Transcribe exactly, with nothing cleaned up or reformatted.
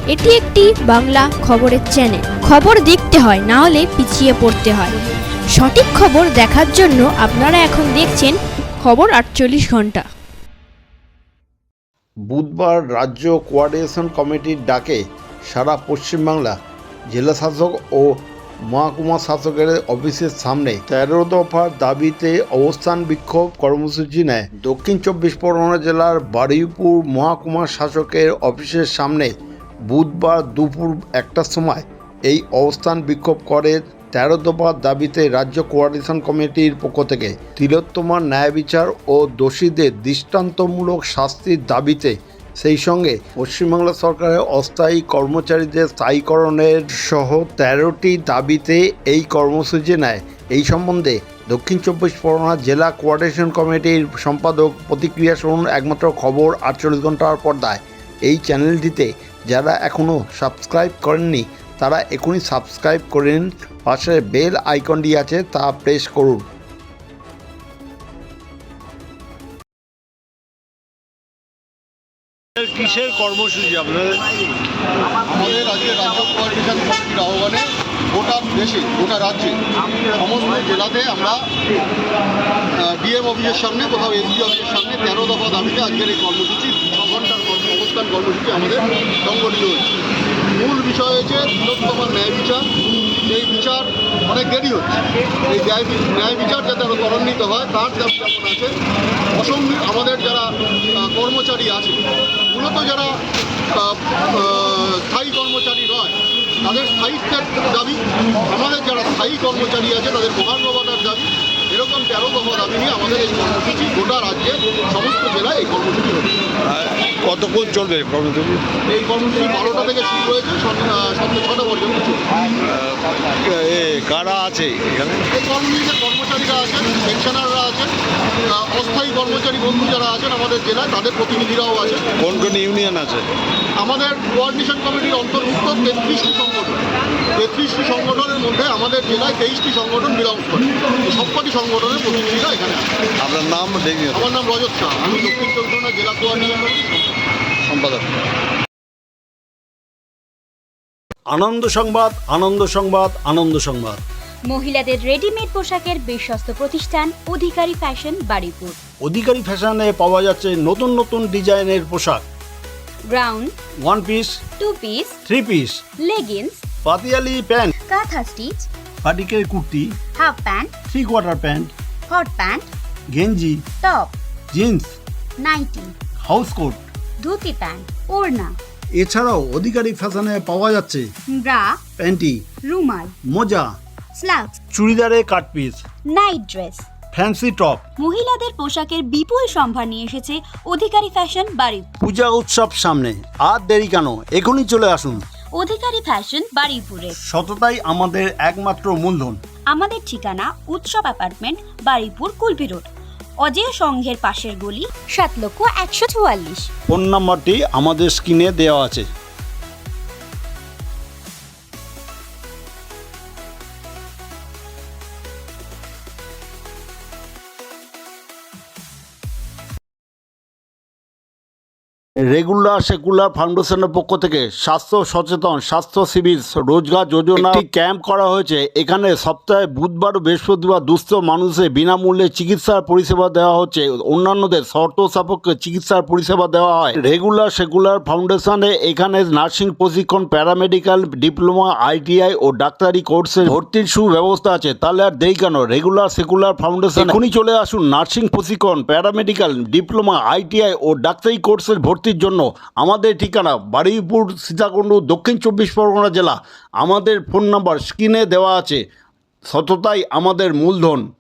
এটি একটি বাংলা খবরের চ্যানেল। খবর দেখতে হয়, না হলে পিছিয়ে পড়তে হয়। সঠিক খবর দেখার জন্য আপনারা এখন দেখছেন খবর আটচল্লিশ ঘন্টা। বুধবার রাজ্য কোঅর্ডিনেশন কমিটির ডাকে সারা পশ্চিমবাংলা জেলা শাসক ও মহকুমা শাসকের অফিসের সামনে তেরো দফার দাবিতে অবস্থান বিক্ষোভ কর্মসূচি নেয়। দক্ষিণ চব্বিশ পরগনা জেলার বারুইপুর মহকুমা শাসকের অফিসের সামনে বুধবার দুপুর একটার সময় এই অবস্থান বিক্ষোভ করে তেরো দফার দাবিতে রাজ্য কোঅর্ডিনেশন কমিটির পক্ষ থেকে তিলোত্তমার ন্যায় বিচার ও দোষীদের দৃষ্টান্তমূলক শাস্তির দাবিতে, সেই সঙ্গে পশ্চিমবাংলা সরকারের অস্থায়ী কর্মচারীদের স্থায়ীকরণের সহ তেরোটি দাবিতে এই কর্মসূচি নেয়। এই সম্বন্ধে দক্ষিণ চব্বিশ পরগনা জেলা কোঅর্ডিনেশন কমিটির সম্পাদক প্রতিক্রিয়া শুনুন একমাত্র খবর আটচল্লিশ ঘন্টার পর্দায়। এই চ্যানেলটিতে যারা এখনও সাবস্ক্রাইব করেননি তারা এখনই সাবস্ক্রাইব করেন, পাশে বেল আইকনটি আছে তা প্রেস করুন। কিসের কর্মসূচি আপনাদের? আমাদের আজকে রাজ্য কোঅর্ডিনেশন কমিটির আহ্বানে গোটা দেশে গোটা রাজ্যে সমস্ত জেলাতে আমরা ডিএম অফিসের সামনে, কোথাও এসডি অফিসের সামনে তেরো দফা দাবিতে আজকের এই কর্মসূচি ছ ঘন্টার অবস্থান কর্মসূচি আমাদের সংগঠিত হয়েছে। মূল বিষয় হচ্ছে তিলোত্তমার ন্যায় বিচার। এই বিচার অনেক দেরি হচ্ছে, এই ন্যায় বিচার যাতে আরও ত্বরান্বিত হয় তার দাবি যেমন আছে। অসংখ্য আমাদের যারা কর্মচারী আছে, মূলত যারা স্থায়ী কর্মচারী নয় তাদের স্থায়িত্বের দাবি, আমাদের যারা স্থায়ী কর্মচারী আছে তাদের মহার্ঘভাতার দাবি, এরকম তেরো দফা দাবি নিয়ে আমাদের এই কর্মসূচি গোটা রাজ্যে সমস্ত জেলায় এই কর্মসূচি হচ্ছে। কতক্ষণ চলবে কর্মসূচি? এই কর্মসূচি বারোটা থেকে শুরু হয়েছে, সন্ধ্যে ছটা পর্যন্ত কারা আছে এখানে? এই কর্মসূচিতে কর্মচারীরা আছেন, পেনশনাররা আছেন, অস্থায়ী কর্মচারী বন্ধু যারা আছেন আমাদের জেলায় তাদের প্রতিনিধিরাও আছেন। কোন কোন ইউনিয়ন আছে? আমাদের কোঅর্ডিনেশন কমিটির অন্তর্ভুক্ত তেত্রিশটি সংগঠন, তেত্রিশটি সংগঠনের মধ্যে আমাদের জেলায় তেইশটি সংগঠন বিলংস করে। সবকটি সংগঠনের প্রতিনিধিরা এখানে আছে। আপনার নাম? আমার নাম রজত শাহ, আমি দক্ষিণ চব্বিশ পরগনা জেলা কোঅর্ডিনেশন কমিটির সম্পাদক। আনন্দ সংবাদ, আনন্দ সংবাদ, আনন্দ সংবাদ। মহিলাদের রেডিমেড পোশাকের বিশ্বস্ত প্রতিষ্ঠান অধিকারী ফ্যাশন বারুইপুর। অধিকারী ফ্যাশনে পাওয়া যাচ্ছে নতুন নতুন ডিজাইনের পোশাক, ground, one piece, two piece, three piece, leggings, পাতিয়ালি প্যান্ট, কাঁথা স্টিচ, পাটিকের kurti, half pant, three quarter pant, hot pant, গেঞ্জি, top, jeans, nightie, house coat, dhoti pant, ওড়না। এছাড়াও অধিকারী ফ্যাশনে পাওয়া যাচ্ছে ব্রা, প্যান্টি, রুমাল, মোজা, স্লাক্স, চুড়িদারে cut piece, night dress, fancy top. মহিলাদের পোশাকের বিপুল সম্ভার নিয়ে এসেছে অধিকারী ফ্যাশন বারুইপুর। পূজা উৎসব সামনে, আর দেরি কেন, এখনই চলে আসুন। অধিকারী ফ্যাশন বারুইপুরে সততাই আমাদের একমাত্র মূলধন। আমাদের ঠিকানা উৎসব অ্যাপার্টমেন্ট, বারুইপুর, কুলপি রোড, অজেয় সংঘের পাশের গলি, সাত লক্ষ একশো চুয়াল্লিশ। ফোন নাম্বারটি আমাদের স্ক্রিনে দেওয়া আছে। রেগুলার সেকুলার ফাউন্ডেশনের পক্ষ থেকে স্বাস্থ্য সচেতন স্বাস্থ্য শিবির রোজগার যোজনা একটি ক্যাম্প করা হয়েছে। এখানে সপ্তাহে বুধবার ও বৃহস্পতিবার দুস্থ মানুষের বিনামূল্যে চিকিৎসার পরিষেবা দেওয়া হচ্ছে, অন্যান্যদের শর্ত সাপেক্ষে চিকিৎসার পরিষেবা দেওয়া হয়। রেগুলার সেকুলার ফাউন্ডেশনে এখানে নার্সিং প্রশিক্ষণ, প্যারামেডিক্যাল ডিপ্লোমা, আইটিআই ও ডাক্তারি কোর্সে ভর্তির সুব্যবস্থা আছে। তাহলে আর দেরি কেন, রেগুলার সেকুলার ফাউন্ডেশন এখনই চলে আসুন। নার্সিং প্রশিক্ষণ, প্যারামেডিক্যাল ডিপ্লোমা, আইটিআই ও ডাক্তারি কোর্সের ভর্তি জন্য আমাদের ঠিকানা বারুইপুর, সীতাকুণ্ড, দক্ষিণ চব্বিশ পরগনা জেলা। আমাদের ফোন নাম্বার স্ক্রিনে দেওয়া আছে। সততাই আমাদের মূলধন।